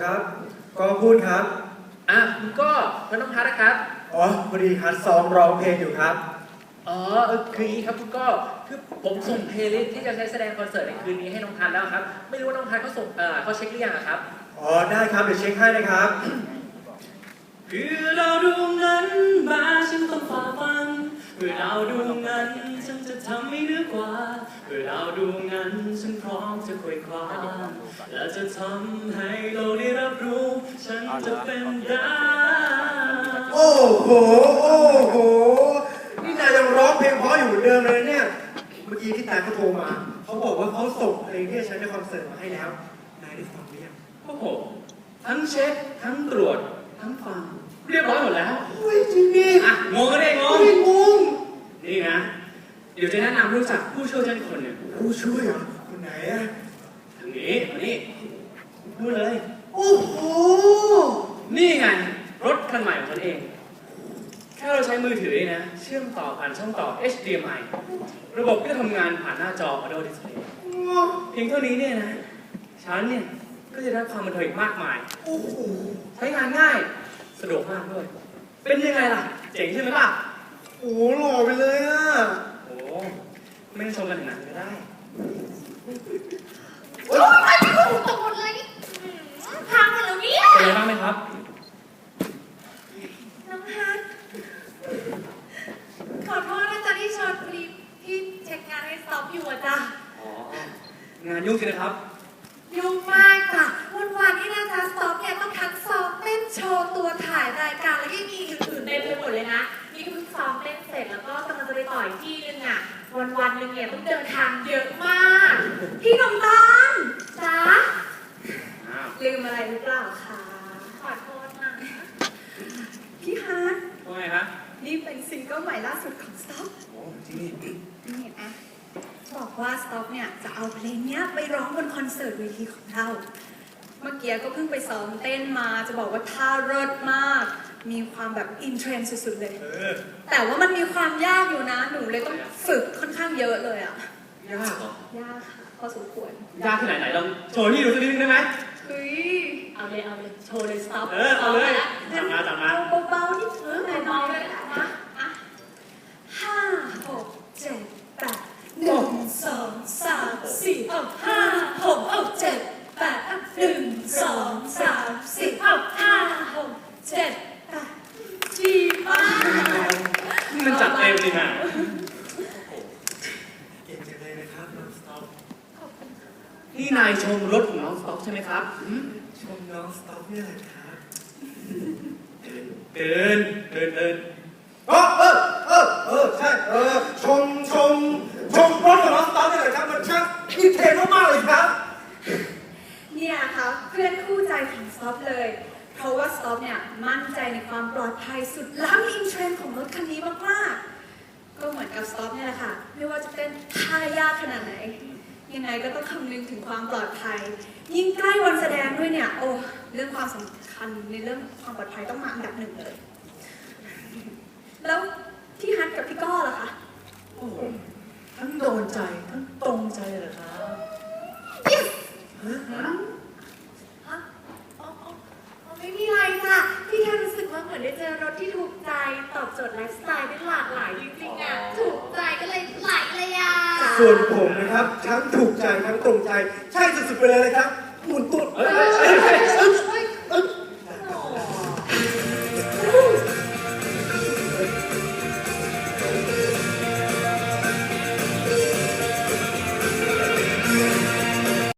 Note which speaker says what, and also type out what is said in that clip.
Speaker 1: ครับก็พูดครับ
Speaker 2: คุณก็แล้วน้องพัทนะครับ
Speaker 1: อ๋อพอดีครับซ้อมร้องเพลงอยู่ครับ
Speaker 2: คืออย่างนี้ครับคุณก็คือผมส่งเพลย์ลิสต์ที่จะใช้แสดงคอนเสิร์ตในคืนนี้ให้น้องพัทแล้วครับไม่รู้ว่าน้องพัทเขาส่งเขาเช็คหรือยังครับ
Speaker 1: อ๋อได้ครับเดี๋ยวเช็คให้นะครับ
Speaker 3: เพื่อเราดวงนั้นมาฉันต้องฝ่าฟันเพื่อเราดวงนั้นฉันจะทำให้เหนือกว่าเพื่อเราดวงนั้นฉันพร้อมจะคุยความและจะทำให้โลกได้รับรู้ฉันจะเป็นได้
Speaker 1: โอ้โหนี่นายยังร้องเพลงเพราะอยู่เหมือนเดิมเลยเนี่ยเมื่อกี้ที่นายเขาโทรมาเขาบอกว่าเขาส่งเพลงที่จะใช้ในคอนเสิร์ตมาให้แล้วนายได้ฟังหรือยัง
Speaker 3: โอ้โหทั้งเช็คทั้งตรวจทั้งฟังเรียบร้อยหมดแล้ว
Speaker 1: โอ้ยจริงดิ
Speaker 3: งงก็ได้งงนี่นะเดี๋ยวจะแนะนำรู้จักผู้ช่วยฉันคนหนึ่ง
Speaker 1: ผู้ช่วยเหรอคนไหนอะ
Speaker 3: ทางนี้มานี่พูดเลย
Speaker 1: โอ้โห
Speaker 3: นี่ไงรถคันใหม่ของฉันเองแค่เราใช้มือถือนะเชื่อมต่อผ่านช่องต่อ HDMI ระบบก็จะทำงานผ่านหน้าจอ Audio Display เพียงเท่านี้เนี่ยนะฉันเนี่ยก็จะได้ความบันเทิงมากมายใช้งานง่ายสะดวกมากด้วยเป็นยังไงล่ะเจ๋งใช่ไหมล่ะ
Speaker 1: โอ้หล่อไปเลยอ่ะ
Speaker 3: โอ้ไม่ต้องชมกันถึงนั้นก็ได้
Speaker 4: โอ้ยไม่ถูกตกหมดเลยพังหมดแล้วเนี่ย
Speaker 3: เป็นไงบ้างไหมครับ
Speaker 4: น้องฮัทขอโทษนะจ๊ะที่ชวนพอดีที่เช็คงานให้สต็อปอยู่อะจ้ะ
Speaker 3: งานยุ่งจริงนะครับ
Speaker 4: ยุ่งมากจ้ะวันนี้นะจ๊ะสต็อปเนี่ยต้องทั้งซ้อมเต้นโชว์ตัวถ่ายรายการแล้วยังมีอื่นๆเต็มไปหมดเลยนะนี่ก็เพิ่งซ้อมเต้นเสร็จแล้วก็กำลังจะไปต่ออีกที่นึงอะวันหนึ่งเนี่ยต้องเดินทางเยอะมากพี่นมตาลจ๊ะลืมอะไรหรือเปล่าคะขอโทษนะพี่ฮาร์ด
Speaker 3: ว่าไงครับ
Speaker 4: นี่เป็นซิงเกิลใหม่ล่าสุดของสต็อป
Speaker 3: โอ้จริงนี่
Speaker 4: อะบอกว่าสต็อปเนี่ยจะเอาเพลงเนี้ยไปร้องบนคอนเสิร์ตเวทีของเราเมื่อกี้ก็เพิ่งไปซ้อมเต้นมาจะบอกว่าท่าเลิศมากมีความแบบอินเทรนด์สุดๆเลยแต่ว่ามันมีความยากอยู่นะหนูเลยต้องฝึกค่อนข้างเยอะเลยอะ
Speaker 3: ยากเหรอย
Speaker 4: ากค่ะพอสมควร
Speaker 3: ยากขนาดไหนลองโชว์ที่ดูสักนิดนึงได้ไหม
Speaker 4: เฮ้ยเอาเลยโชว์เลยสต็อป
Speaker 3: เอาเลยจับมา
Speaker 4: เบาๆนิดแต่น้อยเลยนะอ่ะ5 6 7 8 1 2 3 4 5 6 7 8 1 2 3 4 5 6 7 8ดีมาก
Speaker 3: มันจัดเต็มเลยนะ
Speaker 1: เก่งจังเลยนะครับน้องสต็อป
Speaker 3: นี่นายชมรถของน้องสต็อปใช่ไหมครับ
Speaker 1: ชมน้องสต็อปเนี่ยแหละครับ
Speaker 3: เดิน
Speaker 1: ใช่ชมรถของน้องสต็อปเนี่ยแหละครับมันช่างอินเทรนด์มากๆเลยครับ
Speaker 4: เนี่ยครับเพื่อนคู่ใจของสต็อปเลยเพราะว่าสต็อปเนี่ยมั่นใจในความปลอดภัยสุดล้ำอินเทรนด์ของรถคันนี้มากๆก็เหมือนกับสต็อปเนี่ยแหละค่ะไม่ว่าจะเป็นท่ายากขนาดไหนยังไงก็ต้องคำนึงถึงความปลอดภัยยิ่งใกล้วันแสดงด้วยเนี่ยโอ้เรื่องความสำคัญในเรื่องความปลอดภัยต้องมาอันดับหนึ่งเลยแล้วพี่ฮัทกับพี่ก้อล่ะคะ
Speaker 3: โอ้ทั้งโดนใจทั้งตรงใจเลยเหรอครับ
Speaker 4: ไม่มีอะไรจ้ะพี่แค่รู้สึกว่าเหมือนได้เจอรถที่ถูกใจตอบโจทย์ไลฟ์สไตล์ได้หลากหลายจริงๆอ่ะถูกใจก็เลยไหลเลยอ่ะ
Speaker 1: ส่วนผมนะครับทั้งถูกใจทั้งตรงใจใช่สุดๆไปเลยครับหมุนตุ๊ด